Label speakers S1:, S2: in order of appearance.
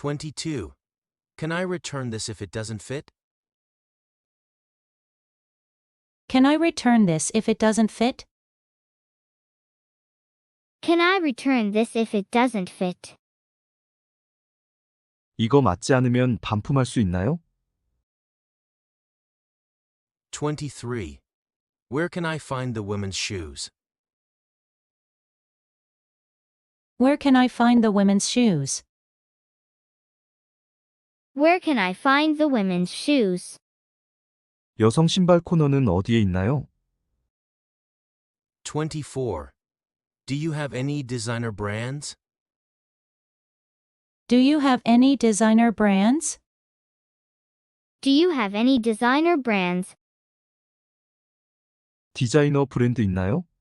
S1: 22. Can I return this if it doesn't fit?
S2: Can I return this if it doesn't fit?
S3: Can I return this if it doesn't fit?
S4: 이거 맞지 않으면 반품할 수 있나요?
S1: 23. Where can I find the women's shoes?
S2: Where can I find the women's shoes?
S3: Where can I find the women's shoes?
S4: 여성 신발 코너는 어디에 있나요?
S1: 24. Do you have any designer brands?
S2: Do you have any designer brands?
S3: Do you have any designer brands?
S4: 디자이너 브랜드 있나요?